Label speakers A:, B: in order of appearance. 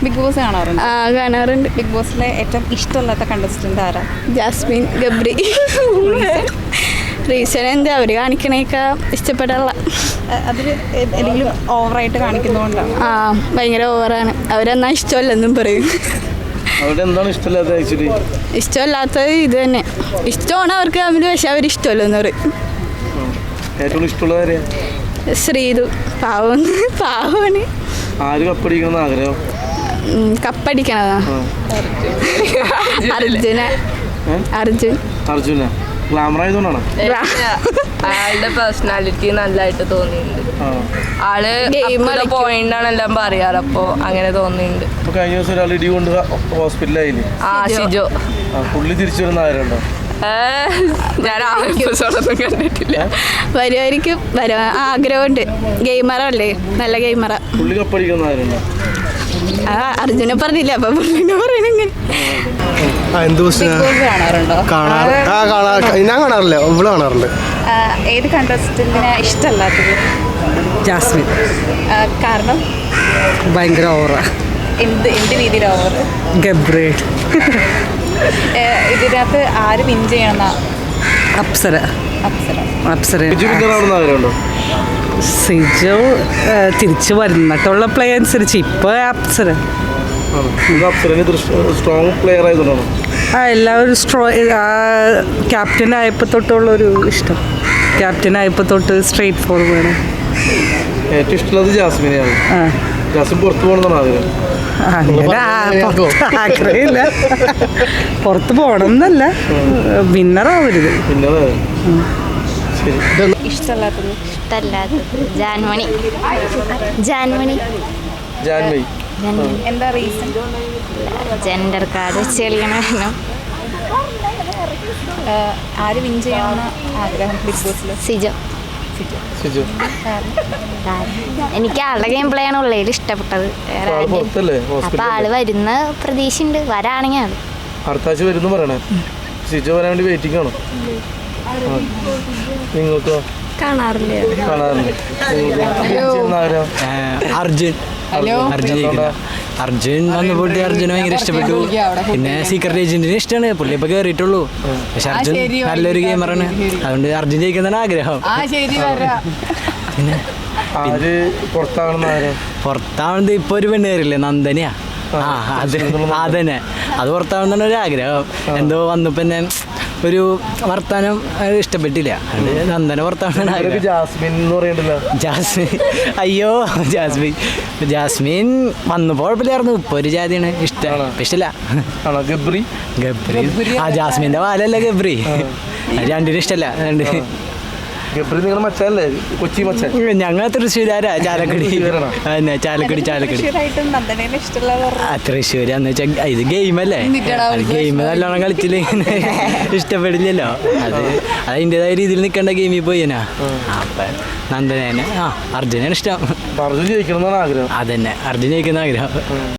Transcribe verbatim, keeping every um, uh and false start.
A: Big boss കാണാറുണ്ട്?
B: ആ കാണാറുണ്ട്.
A: ബിഗ് ബോസിലെ ഏറ്റവും ഇഷ്ടമല്ലാത്ത കണ്ടസ്റ്റന്റ് ആരാ?
B: ജാസ്മിൻ ഗബ്രി. റീസൺ എന്താ അവർ കാണിക്കണേക്ക ഇഷ്ടപ്പെടാനുള്ള
A: അതിൽ എന്തെങ്കിലും ഓവറായിട്ട് കാണിക്കുന്നതുകൊണ്ടാണ്.
B: ആ ഭയങ്കര ഓവറാണ്. അവരെന്നാ ഇഷ്ടമല്ലെന്നും പറയും. ഇഷ്ടമല്ലാത്തത് ഇത് തന്നെ. ഇഷ്ടമാണ് അവർക്ക് തമ്മിൽ, പക്ഷെ അവർ ഇഷ്ടമല്ലെന്ന് പറയും. ശ്രീതു പാവം പാവമാണ്. കപ്പടിക്കണതാ അർജുന. അർജുൻ
C: അർജുന
D: അയാളുടെ പേഴ്സണാലിറ്റി നല്ലതായിട്ട് തോന്നിയിട്ടുണ്ട്. ആള് പോയിന്റാണ് എല്ലാം പറയാറ്, അപ്പൊ അങ്ങനെ തോന്നിയിട്ടുണ്ട്.
C: കഴിഞ്ഞ ദിവസം ഒരാൾ ഇടി കൊണ്ട് ഹോസ്പിറ്റലായില്ലേ?
D: ആ ഷിജോ.
C: പുള്ളി തിരിച്ചു വരുന്ന ആരുണ്ടോ?
D: ഞാൻ ആ എപ്പിസോഡൊന്നും കണ്ടിട്ടില്ല.
B: വരുമായിരിക്കും, വരാൻ ആഗ്രഹമുണ്ട്. ഗെയിമറല്ലേ, നല്ല ഗെയിമറ.
C: പുള്ളി കപ്പടിക്കുന്ന ആരുണ്ടോ?
B: ആ അർജുനെ പറഞ്ഞില്ല, അപ്പൊ പുള്ളിനെ പറയണെങ്ങനെ.
A: കാണാറുണ്ടോ?
E: ഞാൻ കാണാറില്ല, ഇവള് കാണാറുണ്ട്.
A: ഏത് കണ്ടസ്റ്റന്റിനെ ഇഷ്ടമല്ലാത്തത്?
F: ജാസ്മിൻ.
A: കാരണം
F: ഭയങ്കര ഓവറാ.
A: എന്ത് എന്ത് രീതിയിൽ ഓവർ?
F: ഗബ്രി.
A: ഇതിനകത്ത് ആര് വിൻ ചെയ്യണമെന്നാ?
F: അപ്സര.
A: അപ്സര.
F: അപ്സര.
E: സിജോ
F: തിരിച്ചു വരുന്നിട്ടുള്ള പ്ലേ അനുസരിച്ച് ഇപ്പൊ അപ്സര.
C: സ്ട്രോങ് പ്ലെയർ ആയതുകൊണ്ടാണ്
F: ആ എല്ലാവരും സ്ട്രോ ക്യാപ്റ്റൻ ആയപ്പോൾ തൊട്ടുള്ളൊരു ഇഷ്ടം. ക്യാപ്റ്റൻ ആയപ്പോൾ തൊട്ട് സ്ട്രെയിറ്റ് ഫോർവേഡ്.
C: ഏറ്റവും ഇഷ്ടമുള്ളത് ജാസ്മിനെയാണ്.
F: ആ
C: ജാസ്മിൻ പുറത്തു പോകണമെന്നാണ് ആഗ്രഹം.
F: അങ്ങനെ ആഗ്രഹമില്ല, പുറത്ത് പോകണം എന്നല്ല, വിന്നറാവരുത്.
A: ഇഷ്ടമല്ലാത്തത്?
B: ഇഷ്ടമല്ലാത്തത് ജാൻമണി. ജാൻമണി
C: ജാൻമണി.
A: എന്താ റീസൺ?
B: ജെൻഡർ കാർഡ് വെച്ച് കളിക്കണമായിരുന്നു.
A: ആര് വിൻ ചെയ്യണമെന്ന് ആഗ്രഹം ബിഗ് ബോസിൽ?
B: സിജോ.
C: സിജു.
B: എനിക്ക് ആളുടെ ഗെയിം പ്ലേ ആണ് ഉള്ളതിൽ ഇഷ്ടപ്പെട്ടത്. അപ്പൊ ആള് വരുന്ന പ്രതീക്ഷയുണ്ട്, വരാണെങ്കിൽ ആള്
C: അടുത്ത ആഴ്ച വരുന്നു പറയണേ. സിജു വരാൻ വേണ്ടി വെയിറ്റിംഗ് ആണോ? നിങ്ങൾക്കോ?
B: കാണാറില്ല.
C: കാണാറില്ലേ?
G: അർജുൻ. അർജുൻ അർജുൻ വന്നു പോയിട്ട് അർജുനെ ഭയങ്കര ഇഷ്ടപ്പെട്ടു. പിന്നെ സീക്രട്ട് ഏജന്റിനെ ഇഷ്ടമാണ്. പുള്ളി ഇപ്പൊ കേറിയിട്ടുള്ളൂ, പക്ഷെ അർജുൻ നല്ലൊരു ഗെയിമറാണ്. അതുകൊണ്ട് അർജുൻ ജയിക്കുന്നതാണ് ആഗ്രഹം. പിന്നെ പുറത്താവുന്നത് ഇപ്പൊ ഒരു പെണ്ണ് കയറില്ലേ, നന്ദനയാ. ആ അത് അതന്നെ, അത് പുറത്താവുന്നതാണ് ഒരു ആഗ്രഹം. എന്തോ വന്നപ്പോ തന്നെ ഒരു വർത്താനം ഇഷ്ടപ്പെട്ടില്ല, അത് നന്ദന പുറത്താവുന്നതാണ്.
C: ജാസ്മിൻ എന്ന് പറയണ്ടല്ലോ.
G: ജാസ്മിൻ അയ്യോ ജാസ്മിൻ ജാസ്മിൻ വന്നപ്പോൾ കുഴപ്പമില്ലായിരുന്നു. ഇപ്പൊ ഒരു ജാതിയാണ്, ഇഷ്ടമാണ്. ഇഷ്ടമില്ല.
C: ഗബ്രി.
G: ഗബ്രി ആ ജാസ്മിന്റെ വാലല്ല ഗബ്രി. രണ്ടിനും ഇഷ്ടമല്ല. രണ്ട്
C: ഗബ്രി നിങ്ങൾ മച്ചല്ലേ? കൊച്ചി മച്ച.
G: ഞങ്ങൾ തൃശ്ശൂരാരാ. ചാലക്കുടി. അതന്നെ ചാലക്കുടി. ചാലക്കുടി തൃശ്ശൂർ എന്ന് വെച്ചാൽ ഇത് ഗെയിമല്ലേ, ഗെയിം നല്ലോണം കളിച്ചില്ല ഇഷ്ടപ്പെടില്ലല്ലോ. അത് അതിൻ്റെതായ രീതിയിൽ നിൽക്കേണ്ട ഗെയിമിൽ പോയിനാ. അപ്പൊ നന്ദനെ ആ അർജുനാണ് ഇഷ്ടം.
C: അർജുൻ ജയിക്കണം എന്നാണ് ആഗ്രഹം.
G: അതന്നെ, അർജുൻ ജയിക്കുന്ന ആഗ്രഹം.